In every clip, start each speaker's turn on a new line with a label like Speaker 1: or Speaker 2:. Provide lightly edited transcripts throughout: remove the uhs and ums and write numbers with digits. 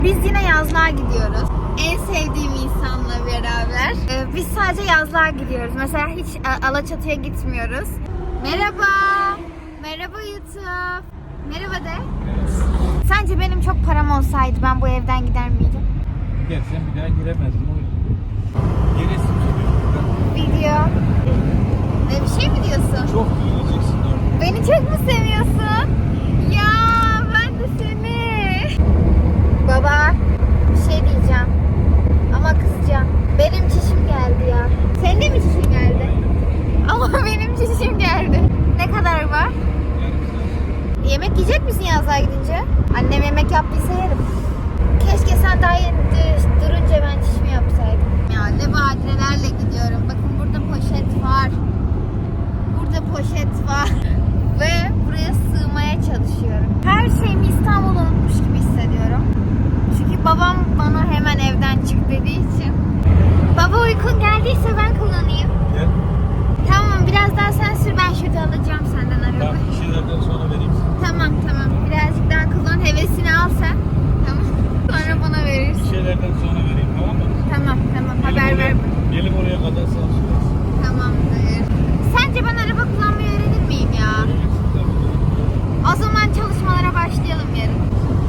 Speaker 1: Biz yine yazlığa gidiyoruz. En sevdiğim insanla beraber. Biz sadece yazlığa gidiyoruz. Mesela hiç Alaçatı'ya gitmiyoruz. Merhaba. Merhaba YouTube. Merhaba de. Sence benim çok param olsaydı ben bu evden gider miydim?
Speaker 2: Gidersen bir daha giremezdim. Giresin tabii.
Speaker 1: Video. Ne bir şey mi diyorsun?
Speaker 2: Çok yiyeceksin orada.
Speaker 1: Beni çok mu seviyorsun? Ya ben de seni. Baba bir şey diyeceğim. Ama kızacağım. Benim çişim geldi ya. Senin de mi çişin geldi? Ama benim çişim geldi. Ne kadar var? Yemek yiyecek misin yazlığa gidince? Annem yemek yaptıysa yerim. Keşke sen daha yeni durunca ben çişimi yapsaydım. Ya ne badirelerle gidiyorum. Bakın burada poşet var. Burada poşet var. Ve buraya sığmaya çalışıyorum. Her şeyimi İstanbul'da unutmuş gibi hissediyorum. Çünkü babam bana hemen evden çık dediği için. Baba uykun geldiyse ben kullanayım.
Speaker 2: Gel.
Speaker 1: Tamam biraz daha sen sür, ben şurada alacağım senden araba.
Speaker 2: Bak bir şeylerden sonra vereyim sana.
Speaker 1: Tamam birazcık daha kullan, hevesini al sen. Tamam. Sonra bana
Speaker 2: Bir
Speaker 1: verirsin.
Speaker 2: şeylerden sonra vereyim, tamam mı?
Speaker 1: Tamam haber ver.
Speaker 2: Gelip oraya kadar sağ olasın.
Speaker 1: Tamamdır. Sence ben araba kullanmayı öğrenir miyim ya? O zaman çalışmalara başlayalım yarın.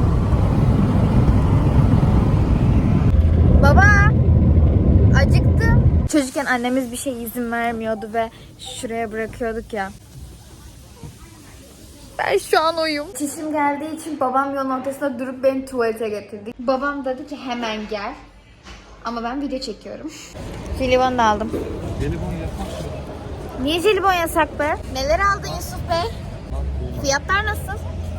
Speaker 1: Baba, acıktım. Çocukken annemiz bir şey izin vermiyordu ve şuraya bırakıyorduk ya. Ben şu an oyum. Çişim geldiği için babam yolun ortasında durup beni tuvalete getirdi. Babam dedi ki hemen gel. Ama ben video çekiyorum. Jelibon da aldım.
Speaker 2: Jelibon yapmak zorunda.
Speaker 1: Niye jelibon yasak be? Neler aldın Yusuf Bey? Fiyatlar nasıl?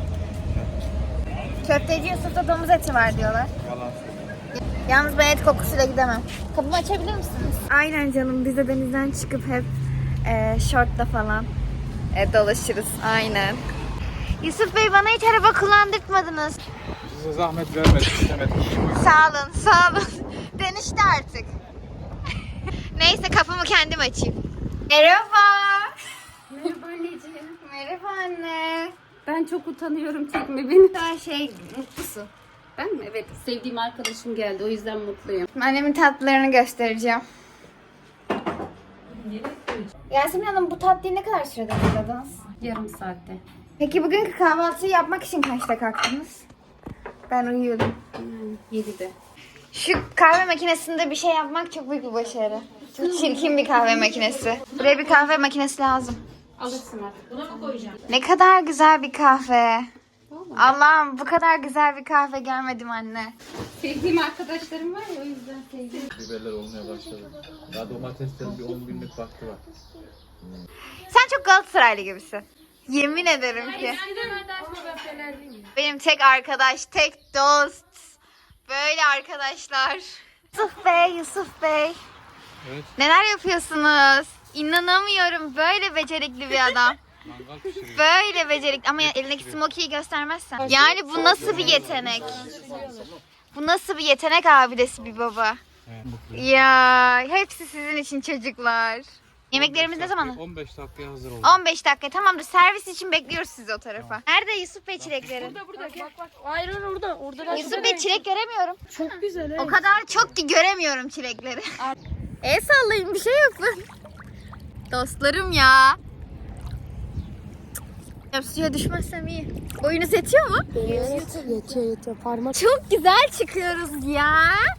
Speaker 1: Köfteci Yusuf'ta domuz eti var diyorlar.
Speaker 2: Yalan.
Speaker 1: Yalnız ben et kokusuyla gidemem. Kapımı açabilir misiniz? Aynen canım. Biz de denizden çıkıp hep şortla falan dolaşırız. Aynen. Yusuf Bey bana hiç araba kullandırtmadınız.
Speaker 2: Size zahmet vermedik, istemedik.
Speaker 1: Sağ olun. Denişti artık. Neyse kapımı kendim açayım. Merhaba.
Speaker 3: Merhaba anneciğim.
Speaker 1: Merhaba anne.
Speaker 3: Ben çok utanıyorum, çekme beni.
Speaker 1: Daha mutlusun.
Speaker 3: Ben mi? Evet, sevdiğim arkadaşım geldi, o yüzden mutluyum.
Speaker 1: Annemin tatlılarını göstereceğim. Yasemin Hanım bu tatlıyı ne kadar sürede hazırladınız?
Speaker 3: Yarım saatte.
Speaker 1: Peki bugünkü kahvaltıyı yapmak için kaçta kalktınız? Ben uyuyordum.
Speaker 3: Yani 7'de.
Speaker 1: Şu kahve makinesinde bir şey yapmak çok büyük bir başarı. Çok çirkin bir kahve makinesi. Buraya bir kahve makinesi lazım.
Speaker 3: Alırsın artık. Buna mı koyacağım?
Speaker 1: Ne kadar güzel bir kahve. Allah'ım bu kadar güzel bir kahve görmedim anne.
Speaker 3: Sevdiğim arkadaşlarım var ya, o yüzden sevdim.
Speaker 2: Biberler olmaya başladı. Daha domateslerin bir 10 günlük vakti var.
Speaker 1: Sen çok Galatasaraylı gibisin. Yemin ederim ki. Benim tek arkadaş, tek dost. Böyle arkadaşlar. Yusuf Bey.
Speaker 2: Evet.
Speaker 1: Neler yapıyorsunuz? İnanamıyorum. Böyle becerikli bir adam.
Speaker 2: Mangal pişiriyor.
Speaker 1: Böyle becerikli. Ama elindeki smoky'yi göstermezsen. Yani bu nasıl bir yetenek? Bu nasıl bir yetenek abidesi bir baba?
Speaker 2: Evet, mutluyum.
Speaker 1: Ya hepsi sizin için çocuklar. Yemeklerimiz ne zaman?
Speaker 2: 15 dakikaya hazır oldu.
Speaker 1: 15 dakika. Tamamdır. Servis için bekliyoruz sizi o tarafa. Nerede Yusuf Bey çileklerin?
Speaker 3: Burada bak. Hayır orada.
Speaker 1: Yusuf Bey çilek göremiyorum.
Speaker 3: Çok güzel.
Speaker 1: O kadar çok ki göremiyorum çilekleri. El sallayın, bir şey yapın. Dostlarım ya. Suya düşmezsem iyi. Boyunuz yetiyor mu?
Speaker 3: Yetiyor. Parmak.
Speaker 1: Çok güzel çıkıyoruz ya.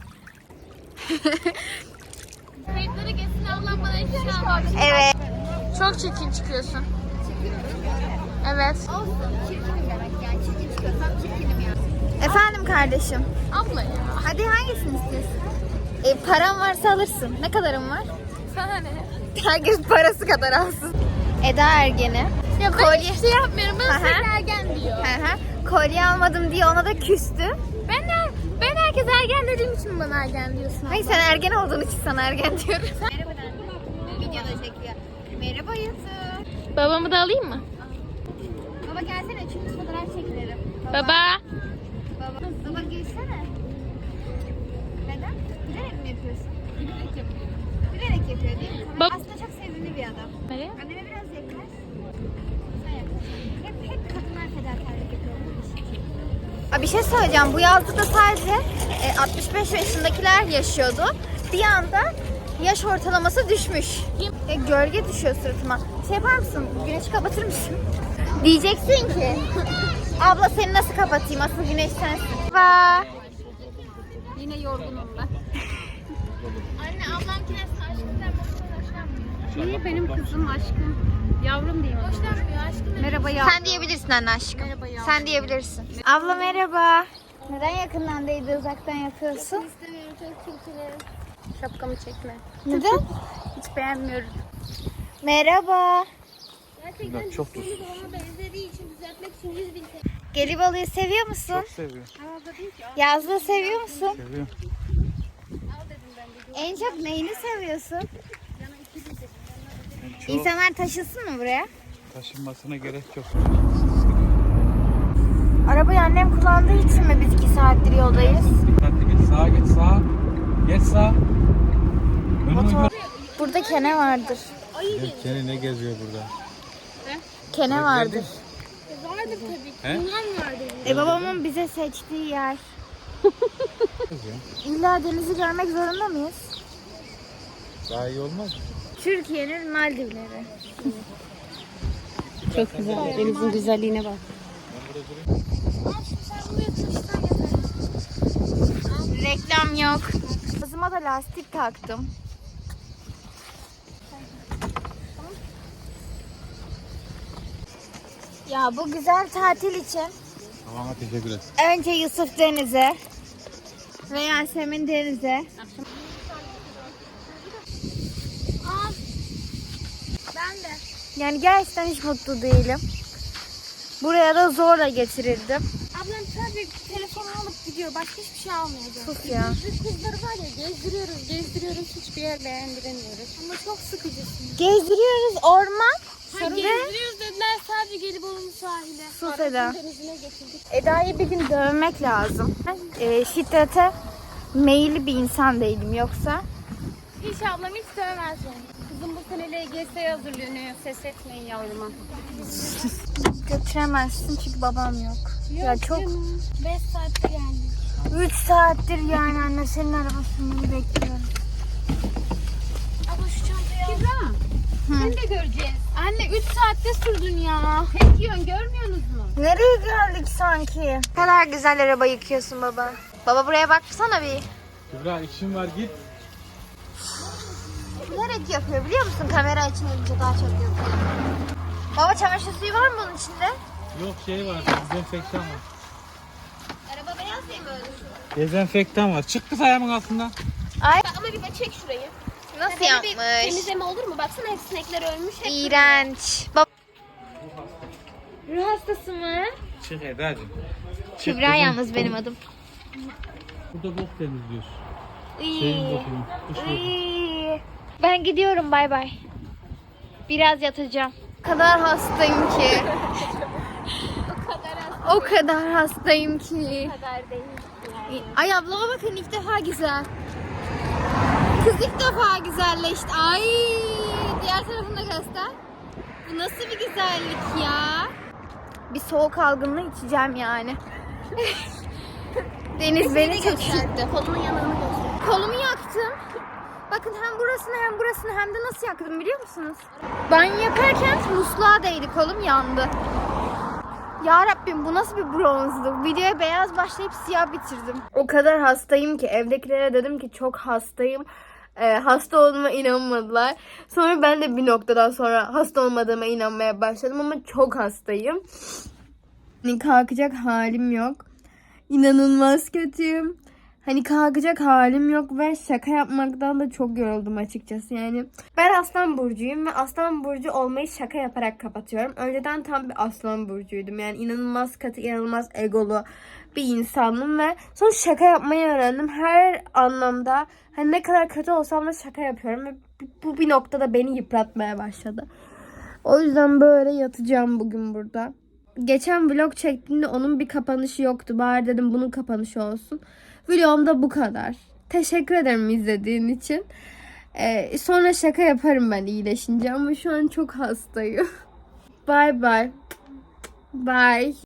Speaker 1: Kayıtları kesin ablam bana hiçbir şey almamış. Evet. Çok çirkin çıkıyorsun. Evet. Olsun. Çirkinim demek yani. Çirkin çıkıyorsam çirkinim yani. Efendim kardeşim. Abla ya. Hadi hangisini istiyorsun? Param varsa alırsın. Ne kadarın var? Sana ne? Herkes parası kadar alsın. Eda Ergen'i. Ya ben hiçbir şey yapmıyorum. Ben sürekli ergen diyor. Kolye almadım diye ona da küstü. Ben herkes ergen dediğim için bana ergen diyorsun. Hayır sen ergen olduğun için sana ergen diyorum. Merhaba anne. Videoda çekiyor. Merhaba Yusuf.
Speaker 4: Babamı da alayım mı?
Speaker 1: Baba gelsene çünkü fotoğraf çekilelim.
Speaker 4: Baba.
Speaker 1: Baba gelsene. Neden? Bilerek mi yapıyorsun? Bilerek yapıyor. Bilerek yapıyor değil mi? Aslında çok sevimli bir adam.
Speaker 4: Nereye?
Speaker 1: Anneme biraz yaklaş. Sen yaklaş. Hep kadınlar fedakarlık yapıyor bu iş için. Abi Bir şey söyleyeceğim. Bu yazda da sadece 65 yaşındakiler yaşıyordu. Bir anda yaş ortalaması düşmüş. Gölge düşüyor suratıma. Şey yapar mısın? Güneşi kapatır mısın? Diyeceksin ki abla seni nasıl kapatayım? Asıl güneş sensin. Vay.
Speaker 3: Yine yorgunum ben.
Speaker 1: Anne ablam kines aşkından hoşlanmıyor.
Speaker 3: Niye benim kızım aşkım? Yavrum diyeyim.
Speaker 1: Hoşlanmıyor aşkım.
Speaker 3: Merhaba yavrum.
Speaker 1: Sen diyebilirsin anne aşkım.
Speaker 3: Merhaba yavrum.
Speaker 1: Sen diyebilirsin. Abla merhaba. Neden yakından değil de uzaktan yapıyorsun?
Speaker 3: İstemiyorum, çok çirkinim. Şapkamı çekme.
Speaker 1: Neden?
Speaker 3: Hiç beğenmiyorum.
Speaker 1: Merhaba.
Speaker 2: Gerçekten çok tuz.
Speaker 3: Babama benzediği için düzeltmek için 100.000 TL.
Speaker 1: Gelibolu'yu seviyor musun?
Speaker 2: Çok seviyorum.
Speaker 1: Yazlığı seviyor musun?
Speaker 2: Seviyorum.
Speaker 1: En çok neyini seviyorsun?
Speaker 2: Çok
Speaker 1: İnsanlar taşısın mı buraya?
Speaker 2: taşınmasına gerek yok.
Speaker 1: Arabayı annem kullandığı için mi biz 2 saattir yoldayız?
Speaker 2: Dikkatli git. Sağa geç sağa. Geç sağa.
Speaker 1: Motor. Burada kene vardır.
Speaker 2: Seni ne geziyor burada?
Speaker 1: Kene vardır.
Speaker 3: Vardır tabii ki.
Speaker 2: He?
Speaker 3: Bunlar vardır.
Speaker 1: Babamın bize seçtiği yer.
Speaker 2: Geziyor.
Speaker 1: İlla denizi görmek zorunda mıyız?
Speaker 2: Daha iyi olmaz mı?
Speaker 1: Türkiye'nin Maldivleri.
Speaker 3: Çok güzel. Denizin güzelliğine bak.
Speaker 1: Reklam yok. Kızıma da lastik taktım. Ya bu güzel tatil için
Speaker 2: Tamam teşekkür ederim.
Speaker 1: önce Yusuf Deniz'e ve Yasemin Deniz'e.
Speaker 3: Ben de.
Speaker 1: Yani gerçekten hiç mutlu değilim. Buraya da zorla getirildim.
Speaker 3: Ablam sadece telefonu alıp gidiyor. Başka hiçbir şey almayacak.
Speaker 1: Sus ya.
Speaker 3: Biz kızları var ya gezdiriyoruz. Hiçbir yer beğendiremiyoruz. Ama çok sıkıcısın.
Speaker 1: Gezdiriyoruz orman.
Speaker 3: Gezdiriyoruz dediler sadece Gelibolu'nun sahile.
Speaker 1: Sus Eda.
Speaker 3: Denizine getirdik.
Speaker 1: Eda'yı bir gün dövmek lazım. Şiddete meyilli bir insan değilim yoksa.
Speaker 3: Hiç ablam hiç sevmez yani. Kızım bu sene LGS'ye hazırlanıyor. Ses etmeyin yavruma.
Speaker 1: Götüremezsin çünkü babam yok. Ya çok
Speaker 3: 5 saattir geldik.
Speaker 1: 3 saattir yani anne senin arabasını bekliyorum.
Speaker 3: Abla şu çantayı al. Kübra. Seni de göreceğiz. Anne 3 saatte sürdün ya. Hep yiyorsun görmüyorsunuz mu?
Speaker 1: Nereye geldik sanki? Ne kadar güzel araba yıkıyorsun baba. Baba buraya baksana bir.
Speaker 2: Kübra işim var git.
Speaker 1: Bilerek yapıyor biliyor musun? Kamera açılınca daha çok yapıyor. Baba çamaşır suyu var mı bunun içinde?
Speaker 2: Yok şey var. Dezenfektan var.
Speaker 1: Araba beyaz değil mi öyle?
Speaker 2: Dezenfektan var. Çık kız ayağımın altından.
Speaker 1: Ay
Speaker 3: Ama bir de çek şurayı.
Speaker 1: nasıl
Speaker 3: Böyle bir
Speaker 1: yapmış?
Speaker 3: temizleme olur mu? Baksana hep sinekler ölmüş. Hep
Speaker 1: İğrenç. Ruh hastası mı?
Speaker 2: Çık Eda'cığım.
Speaker 1: Kübra yalnız benim adım.
Speaker 2: Burada bok temizliyorsun.
Speaker 1: İyi.
Speaker 2: Şeyin bokunu. Kuş boku.
Speaker 1: İyi. Ben gidiyorum bay bay. Biraz yatacağım. O kadar hastayım ki. O kadar hastayım ki.
Speaker 3: kadar değil.
Speaker 1: Ay ablama bakın ilk defa güzel. Kız ilk defa güzelleşti. Ay diğer tarafını da göster. Bu nasıl bir güzellik ya? Bir soğuk algınlığı içeceğim yani. Deniz beni çok üşüttü.
Speaker 3: Kolunun yanını göster.
Speaker 1: Kolumu yaktım. Bakın hem burasını hem de nasıl yaktım biliyor musunuz? Banyo yaparken musluğa değdi, kolum yandı. Ya Rabbim bu nasıl bir bronzluk? Videoya beyaz başlayıp siyah bitirdim. O kadar hastayım ki evdekilere dedim ki çok hastayım. Hasta olduğuma inanmadılar. Sonra ben de bir noktadan sonra hasta olmadığıma inanmaya başladım ama çok hastayım. Hani kalkacak halim yok. İnanılmaz kötüyüm. Hani kalkacak halim yok ve şaka yapmaktan da çok yoruldum açıkçası yani. Ben Aslan Burcu'yum ve Aslan Burcu olmayı şaka yaparak kapatıyorum. Önceden tam bir Aslan Burcu'ydum. Yani inanılmaz katı, inanılmaz egolu bir insandım ve sonra şaka yapmayı öğrendim. Her anlamda hani ne kadar kötü olsam da şaka yapıyorum ve bu bir noktada beni yıpratmaya başladı. O yüzden böyle yatacağım bugün burada. Geçen vlog çektiğimde onun bir kapanışı yoktu. Bari dedim bunun kapanışı olsun. Vlogum da bu kadar. Teşekkür ederim izlediğin için. Sonra şaka yaparım ben iyileşince ama şu an çok hastayım. Bye bye. Bye.